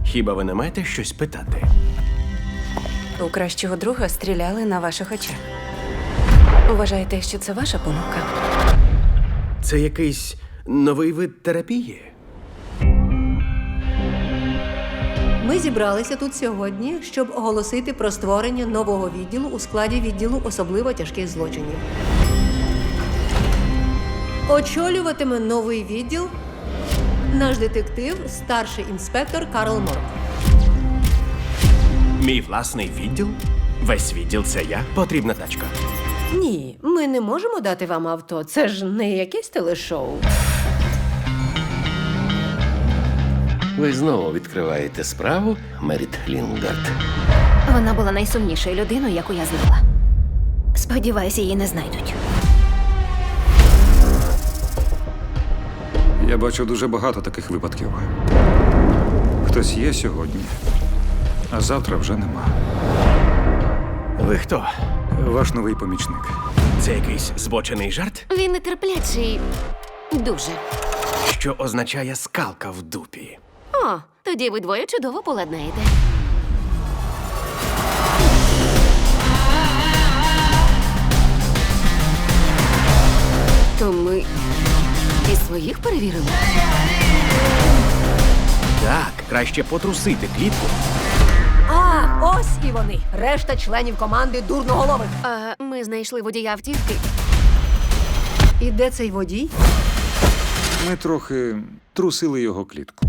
Хіба ви не маєте щось питати? У кращого друга стріляли на ваших очах. Вважаєте, що це ваша помилка? Це якийсь новий вид терапії? Ми зібралися тут сьогодні, щоб оголосити про створення нового відділу у складі відділу особливо тяжких злочинів. Очолюватиме новий відділ наш детектив, старший інспектор Карл Морк. Мій власний відділ? Весь відділ це я? Потрібна тачка. Ні, ми не можемо дати вам авто. Це ж не якесь телешоу. Ви знову відкриваєте справу, Меріт Лінгард. Вона була найсумнішою людиною, яку я знала. Сподіваюся, її не знайдуть. Я бачу дуже багато таких випадків. Хтось є сьогодні, а завтра вже нема. Ви хто? Ваш новий помічник. Це якийсь збочений жарт, Він нетерплячий. Дуже. що означає скалка в дупі. О, тоді ви двоє чудово поладнаєте. То ми і своїх перевірили? Так, краще потрусити клітку. А, ось і вони. Решта членів команди дурноголових. Ми знайшли водія автівки. І де цей водій? Ми трохи трусили його клітку.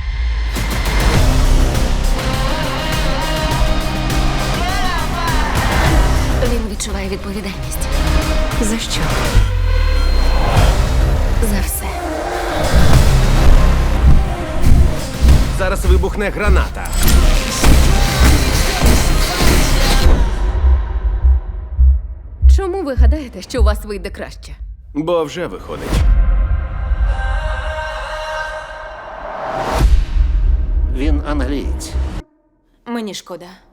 Він відчуває відповідальність. За що? За все. Зараз вибухне граната. Чому ви гадаєте, що у вас вийде краще? Бо вже виходить. Він англієць. Мені шкода.